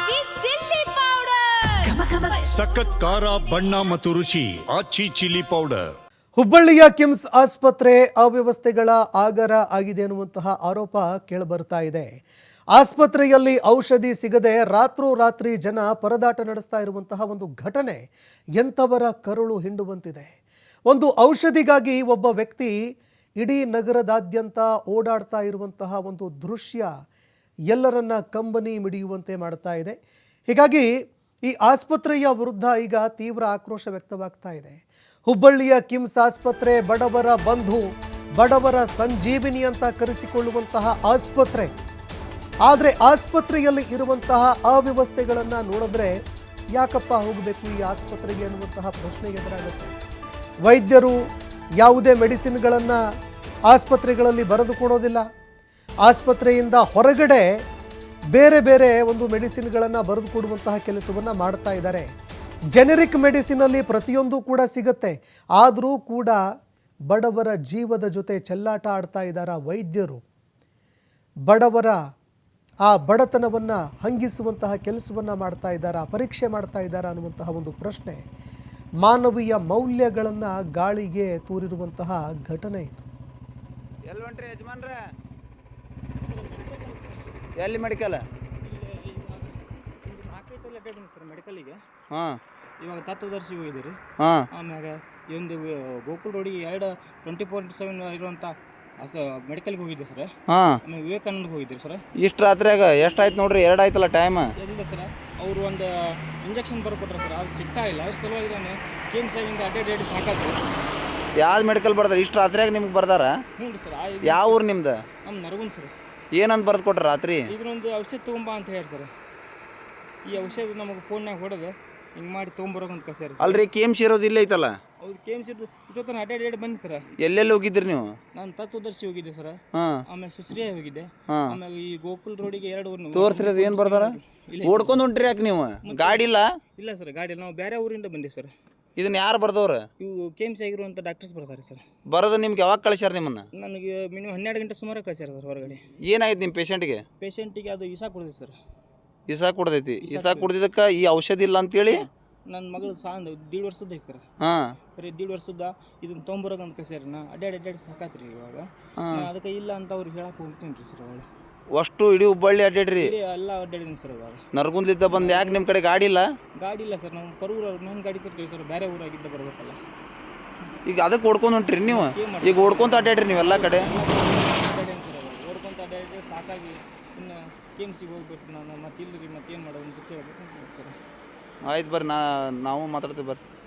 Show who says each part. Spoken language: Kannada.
Speaker 1: ಆಚಿ ಚಿಲ್ಲಿ ಪೌಡರ್
Speaker 2: ಸಖತ್ ಖಾರ ಬಣ್ಣ ಮತ್ತು ರುಚಿ ಆಚಿ ಚಿಲ್ಲಿ ಪೌಡರ್.
Speaker 3: ಹುಬ್ಬಳ್ಳಿಯ ಕಿಮ್ಸ್ ಆಸ್ಪತ್ರೆ ಅವ್ಯವಸ್ಥೆಗಳ ಆಗರ ಆಗಿದೆ ಎನ್ನುವಂತಹ ಆರೋಪ ಕೇಳಿಬರ್ತಾ ಇದೆ. ಆಸ್ಪತ್ರೆಯಲ್ಲಿ ಔಷಧಿ ಸಿಗದೆ ರಾತ್ರೋರಾತ್ರಿ ಜನ ಪರದಾಟ ನಡೆಸ್ತಾ ಇರುವಂತಹ ಒಂದು ಘಟನೆ ಎಂಥವರ ಕರುಳು ಹಿಂಡುವಂತಿದೆ. ಒಂದು ಔಷಧಿಗಾಗಿ ಒಬ್ಬ ವ್ಯಕ್ತಿ ಇಡೀ ನಗರದಾದ್ಯಂತ ಓಡಾಡ್ತಾ ಇರುವಂತಹ ಒಂದು ದೃಶ್ಯ ಎಲ್ಲರನ್ನ ಕಂಬನಿ ಮಿಡಿಯುವಂತೆ ಮಾಡ್ತಾ ಇದೆ. ಹೀಗಾಗಿ ಈ ಆಸ್ಪತ್ರೆಯ ವಿರುದ್ಧ ಈಗ ತೀವ್ರ ಆಕ್ರೋಶ ವ್ಯಕ್ತವಾಗ್ತಾ ಇದೆ. ಹುಬ್ಬಳ್ಳಿಯ ಕಿಮ್ಸ್ ಆಸ್ಪತ್ರೆ ಬಡವರ ಬಂಧು, ಬಡವರ ಸಂಜೀವಿನಿ ಅಂತ ಕರೆಸಿಕೊಳ್ಳುವಂತಹ ಆಸ್ಪತ್ರೆ. ಆದರೆ ಆಸ್ಪತ್ರೆಯಲ್ಲಿ ಇರುವಂತಹ ಅವ್ಯವಸ್ಥೆಗಳನ್ನು ನೋಡಿದ್ರೆ ಯಾಕಪ್ಪ ಹೋಗಬೇಕು ಈ ಆಸ್ಪತ್ರೆಗೆ ಅನ್ನುವಂತಹ ಪ್ರಶ್ನೆ ಎದುರಾಗುತ್ತೆ. ವೈದ್ಯರು ಯಾವುದೇ ಮೆಡಿಸಿನ್ಗಳನ್ನು ಆಸ್ಪತ್ರೆಗಳಲ್ಲಿ ಬರೆದು ಕೊಡೋದಿಲ್ಲ. ಆಸ್ಪತ್ರೆಯಿಂದ ಹೊರಗಡೆ ಬೇರೆ ಬೇರೆ ಒಂದು ಮೆಡಿಸಿನ್ಗಳನ್ನು ಬರೆದು ಕೊಡುವಂತಹ ಕೆಲಸವನ್ನು ಮಾಡ್ತಾ ಇದ್ದಾರೆ. ಜೆನೆರಿಕ್ ಮೆಡಿಸಿನಲ್ಲಿ ಪ್ರತಿಯೊಂದು ಕೂಡ ಸಿಗುತ್ತೆ. ಆದರೂ ಕೂಡ ಬಡವರ ಜೀವದ ಜೊತೆ ಚೆಲ್ಲಾಟ ಆಡ್ತಾ ಇದ್ದಾರೆ ವೈದ್ಯರು. ಬಡವರ ಆ ಬಡತನವನ್ನು ಹಂಗಿಸುವಂತಹ ಕೆಲಸವನ್ನು ಮಾಡ್ತಾ ಇದ್ದಾರೆ, ಪರೀಕ್ಷೆ ಮಾಡ್ತಾ ಇದ್ದಾರೆ ಅನ್ನುವಂತಹ ಒಂದು ಪ್ರಶ್ನೆ, ಮಾನವೀಯ ಮೌಲ್ಯಗಳನ್ನು ಗಾಳಿಗೆ ತೂರಿರುವಂತಹ ಘಟನೆ ಇದು.
Speaker 4: ಎಲ್ಲಿ ಯಜಮಾನ್ರೆ, ಎಲ್ಲಿ ಮೆಡಿಕಲ್?
Speaker 5: ಸರ್ ಮೆಡಿಕಲಿಗೆ
Speaker 4: ಹಾಂ,
Speaker 5: ಇವಾಗ ತತ್ವದರ್ಶಿ ಹೋಗಿದ್ದೀರಿ.
Speaker 4: ಹಾಂ,
Speaker 5: ಆಮ್ಯಾಗ ಈ ಒಂದು ಗೋಕುಲ್ ರೋಡಿಗೆ 24/7 ಇರುವಂಥ ಮೆಡಿಕಲ್ಗೆ ಹೋಗಿದ್ದೆ ಸರ್.
Speaker 4: ಹಾಂ,
Speaker 5: ಆಮೇಲೆ ವಿವೇಕಾನಂದಗೆ ಹೋಗಿದ್ದೀರಿ ಸರ್.
Speaker 4: ಇಷ್ಟು ರಾತ್ರಿಯಾಗ ಎಷ್ಟಾಯ್ತು ನೋಡ್ರಿ? 2 ಆಯ್ತಲ್ಲ ಟೈಮ್.
Speaker 5: ಎಲ್ಲಿದೆ ಸರ್, ಅವರು ಒಂದು ಇಂಜೆಕ್ಷನ್ ಬರ್ಕೊಟ್ರೆ ಸರ್, ಅದು ಸಿಗ್ತಾ ಇಲ್ಲ. ಅದ್ರ ಸಲುವಾಗಿ ನಾನು KIMS ಆಗಿಂದ ಅಡ್ಡಾಡಿ ಸಾಕಾಗ್ತದೆ.
Speaker 4: ಯಾವ್ದು ಮೆಡಿಕಲ್ ಬರ್ದಾರ? ಇಷ್ಟು ರಾತ್ರಿಯಾಗ ನಿಮ್ಗೆ ಬರ್ದಾರ?
Speaker 5: ಹ್ಞೂ ರೀ ಸರ್.
Speaker 4: ಯಾವ ಊರು ನಿಮ್ದು?
Speaker 5: ನಮ್ಮ ನರಗುಂದ್ ಸರ್.
Speaker 4: ಏನಂತ ಬರ್ದು ಕೊಟ್ರ ರಾತ್ರಿ?
Speaker 5: ಇದನ್ನೊಂದು ಔಷಧ ತೊಗೊಂಬಾ ಅಂತ ಹೇಳಿ ಸರ್. ಈ ಔಷಧ ನಮಗೆ ಫೋನ್ನಾಗ ಹೊಡೆದು ಹಿಂಗೆ ಮಾಡಿ ತೊಗೊಂಬರೋಕಂತ ಕಳ್ಸ್ಯಾರ.
Speaker 4: ಅಲ್ರಿ KIMS ಇರೋದು ಇಲ್ಲೇ ಐತಲ್ಲ?
Speaker 5: ಹೌದು, KIMS ಇಷ್ಟೊತ್ತನ ಅಡ್ಡಾಡಿ ಬನ್ನಿ ಸರ್.
Speaker 4: ಎಲ್ಲೆಲ್ಲಿ ಹೋಗಿದ್ರಿ ನೀವು?
Speaker 5: ನಾನು ತತ್ವದರ್ಶಿ ಹೋಗಿದ್ದೆ ಸರ್.
Speaker 4: ಹಾಂ,
Speaker 5: ಆಮೇಲೆ ಸುಶ್ರಿಯ ಹೋಗಿದ್ದೆ.
Speaker 4: ಹಾಂ,
Speaker 5: ಆಮೇಲೆ ಈ ಗೋಕುಲ್ ರೋಡಿಗೆ 2 ಊರು
Speaker 4: ತೋರಿಸ್ರಿ. ಏನು ಬರ್ದಾರ? ಓಡ್ಕೊಂಡು ಹೊಂಟ್ರಿ ಯಾಕೆ ನೀವು? ಗಾಡಿ ಇಲ್ಲ?
Speaker 5: ಇಲ್ಲ ಸರ್, ಗಾಡಿ ನಾವು ಬೇರೆ ಊರಿಂದ ಬಂದೀವಿ ಸರ್.
Speaker 4: ಇದನ್ನ ಯಾರು ಬರ್ದವ್ರ?
Speaker 5: ಇವು KIMS ಆಗಿರುವಂಥ ಡಾಕ್ಟರ್ಸ್ ಬರ್ತಾರೆ ಸರ್.
Speaker 4: ಬರೋದು ನಿಮ್ಗೆ ಯಾವಾಗ ಕಳಿಸ್ಯಾರ ನಿಮ್ಮನ್ನ?
Speaker 5: ನನಗೆ ಮಿನಿಮಮ್ 12 ಗಂಟೆ ಸುಮಾರು ಕಳ್ಸ್ಯಾರ ಸರ್ ಹೊರಗಡೆ.
Speaker 4: ಏನಾಯ್ತು ನಿಮ್ಮ ಪೇಷಂಟ್ಗೆ?
Speaker 5: ಪೇಷಂಟಿಗೆ ಅದು ಇಸಾ ಕೊಡಿದೆ ಸರ್.
Speaker 4: ಇಸಾ ಕುಡ್ದೈತಿ. ಇಸಾ ಕುಡ್ದಿದ್ದಕ್ಕೆ ಈ ಔಷಧಿ ಇಲ್ಲ ಅಂತೇಳಿ
Speaker 5: ನನ್ನ ಮಗಳು ಸಾಂದ್ 1.5 ವರ್ಷದ ಐತೆ ಸರ್.
Speaker 4: ಹಾಂ,
Speaker 5: ಬರೀ 1.5 ವರ್ಷದ ಇದನ್ನ ತೊಗೊಂಬರೋಕಂತ ಕಳ್ಸ್ಯಾರ. ನಾ ಅಡ್ಡಾಡಿ ಸಾಕಾತ್ರಿ ಇವಾಗ. ಅದಕ್ಕೆ ಇಲ್ಲ ಅಂತ ಅವ್ರಿಗೆ ಹೇಳಕ್ಕೆ ಹೋಗ್ತೀನಿ ರೀ ಸರ್. ಅವಳು
Speaker 4: ಅಷ್ಟು ಇಡೀ ಹುಬ್ಬಳ್ಳಿ ಅಡ್ಡಾಡ್ರಿ?
Speaker 5: ಎಲ್ಲ ಅಡ್ಡಾಡಿದ್ದೀನಿ ಸರ್. ಇವಾಗ
Speaker 4: ನರಗುಂದ್ಲಿದ್ದ ಬಂದು ಯಾಕೆ ನಿಮ್ಮ ಕಡೆ ಗಾಡಿ ಇಲ್ಲ?
Speaker 5: ಗಾಡಿ ಇಲ್ಲ ಸರ್, ನಾವು ಪರೂರು ನನ್ನ ಗಾಡಿ ತರ್ತೀವಿ ಸರ್. ಬೇರೆ ಊರಾಗಿದ್ದ ಬರ್ಬೇಕಲ್ಲ.
Speaker 4: ಈಗ ಅದಕ್ಕೆ ಓಡ್ಕೊಂಡು ಹೊಂಟ್ರಿ ನೀವು? ಈಗ ಓಡ್ಕೊಂತ ಅಡ್ಡಾಡ್ರಿ ನೀವೆಲ್ಲ ಕಡೆ?
Speaker 5: ಅಡ್ಡಾಡೇನು ಸರ್, ಓಡ್ಕೊಂತ ಅಡ್ಡಾಡಿದ್ರೆ ಸಾಕಾಗಿ ಇನ್ನು KIMSಗೆ ಹೋಗ್ಬೇಕು ನಾನು. ಮತ್ತೆ ಇಲ್ಲರಿ ಮತ್ತೇನು ಮಾಡೋದು ಅಂತ ಕೇಳ್ಬೇಕು ಸರ್.
Speaker 4: ಆಯ್ತು ಬರ್ರಿ, ನಾವು ಮಾತಾಡ್ತೀವಿ ಬರ್ರಿ.